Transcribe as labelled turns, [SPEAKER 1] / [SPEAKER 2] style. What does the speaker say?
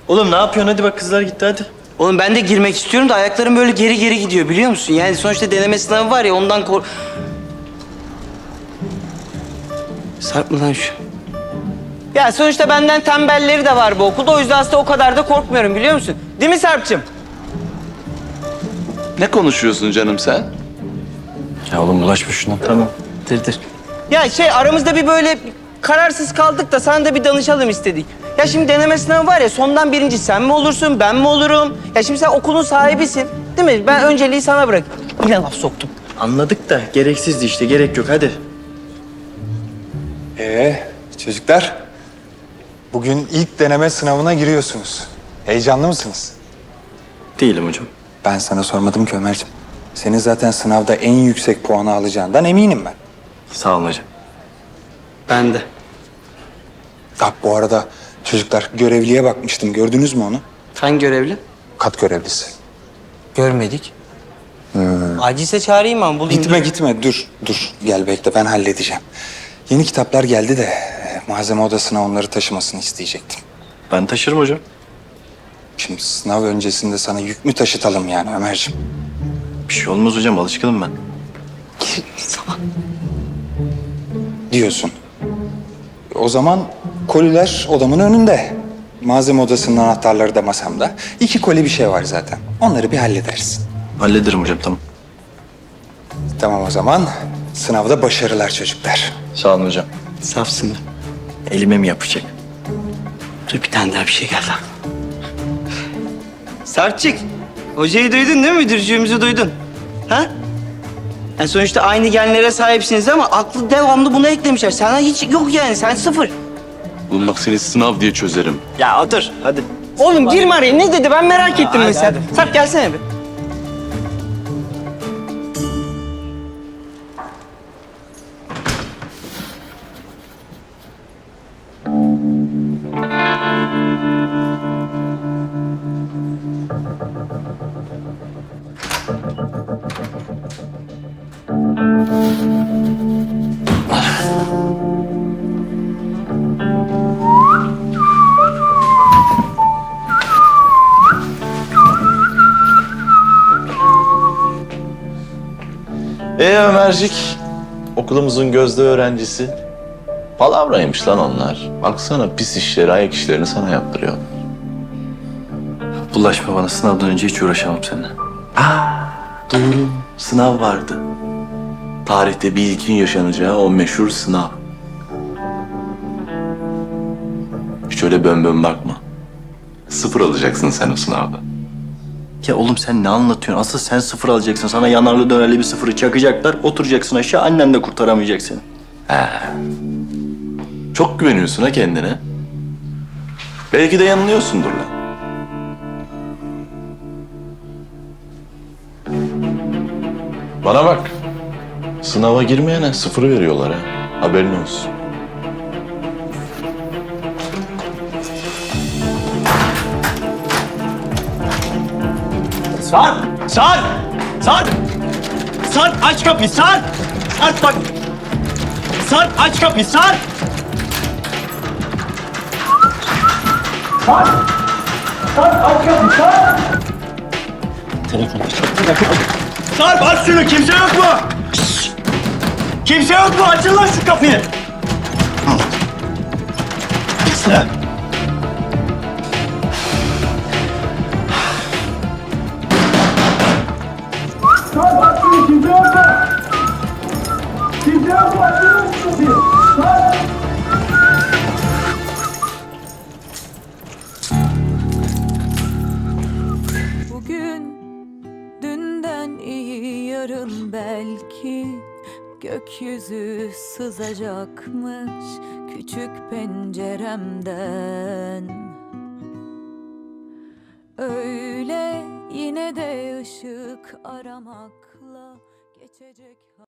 [SPEAKER 1] Oğlum ne yapıyorsun? Hadi bak kızlar gitti hadi.
[SPEAKER 2] Oğlum ben de girmek istiyorum da ayaklarım böyle geri geri gidiyor biliyor musun? Yani sonuçta deneme sınavı var ya ondan Sarp mı lan şu? Ya sonuçta benden tembelleri de var bu okulda. O yüzden aslında o kadar da korkmuyorum biliyor musun? Değil mi Sarp'cığım?
[SPEAKER 3] Ne konuşuyorsun canım sen?
[SPEAKER 1] Ya oğlum bulaşma şuna. Tamam. Dır.
[SPEAKER 2] Ya aramızda bir böyle kararsız kaldık da sana da bir danışalım istedik. Ya şimdi deneme sınavı var ya sondan birinci sen mi olursun ben mi olurum? Ya şimdi sen okulun sahibisin değil mi? Ben önceliği sana bırak. Yine laf soktum.
[SPEAKER 1] Anladık da gereksizdi işte. Gerek yok hadi.
[SPEAKER 4] Çocuklar, bugün ilk deneme sınavına giriyorsunuz. Heyecanlı mısınız?
[SPEAKER 1] Değilim hocam.
[SPEAKER 4] Ben sana sormadım ki Ömerciğim. Senin zaten sınavda en yüksek puanı alacağından eminim ben.
[SPEAKER 1] Sağ olun hocam.
[SPEAKER 2] Ben de.
[SPEAKER 4] Bu arada çocuklar görevliye bakmıştım. Gördünüz mü onu?
[SPEAKER 2] Hangi görevli?
[SPEAKER 4] Kat görevlisi.
[SPEAKER 2] Görmedik. Acilse çağırayım ama bulayım.
[SPEAKER 4] Gitme. Dur. Gel bekle, ben halledeceğim. Yeni kitaplar geldi de malzeme odasına onları taşımasını isteyecektim.
[SPEAKER 1] Ben taşırım hocam.
[SPEAKER 4] Şimdi sınav öncesinde sana yük mü taşıtalım yani Ömerciğim?
[SPEAKER 1] Bir şey olmaz hocam. Alışkınım ben.
[SPEAKER 4] Diyorsun. O zaman koliler odamın önünde. Malzeme odasının anahtarları da masamda. 2 koli bir şey var zaten. Onları bir hallederiz.
[SPEAKER 1] Hallederim hocam tamam.
[SPEAKER 4] Tamam o zaman. Sınavda başarılar çocuklar.
[SPEAKER 1] Sağ olun hocam.
[SPEAKER 2] Safsın.
[SPEAKER 1] Elime mi yapacak?
[SPEAKER 2] Dur bir tane daha bir şey geldi. Sarpçık, hocayı duydun değil mi? Müdürcüğümüzü duydun. Ha? Yani sonuçta aynı genlere sahipsiniz ama aklı devamlı buna eklemişler. Sana hiç yok yani, sen sıfır.
[SPEAKER 3] Oğlum bak seni sınav diye çözerim.
[SPEAKER 2] Ya otur, hadi. Oğlum girme araya, ne dedi? Ben merak ettim mesela. Sarp gelsene bir.
[SPEAKER 3] Ömercik, okulumuzun gözde öğrencisi. Palavraymış lan onlar. Baksana pis işleri, ayak işlerini sana yaptırıyor.
[SPEAKER 1] Bulaşma bana. Sınavdan önce hiç uğraşamam seninle. Doğru. Sınav vardı.
[SPEAKER 3] Tarihte bir ilkin yaşanacağı o meşhur sınav. Hiç öyle bön bakma. 0 alacaksın sen o sınavda.
[SPEAKER 1] Ya oğlum sen ne anlatıyorsun? Asıl sen 0 alacaksın. Sana yanarlı dönerli bir 0'ı çakacaklar. Oturacaksın aşağı. Annen de kurtaramayacak seni.
[SPEAKER 3] Çok güveniyorsun ha kendine. Belki de yanılıyorsundur lan. Bana bak. Sınava girmeyene 0 veriyorlar ha. Haberin olsun.
[SPEAKER 1] Sarp aç kapıyı Sarp! Sarp bak! Sarp aç kapıyı Sarp! Sarp aç şunu! Kimse yok mu? Şşş! Kimse yok mu? Açın lan şu kapıyı!
[SPEAKER 5] Bugün dünden iyi yarın belki gökyüzü sızacakmış küçük penceremden. Öyle yine de ışık aramakla geçecek.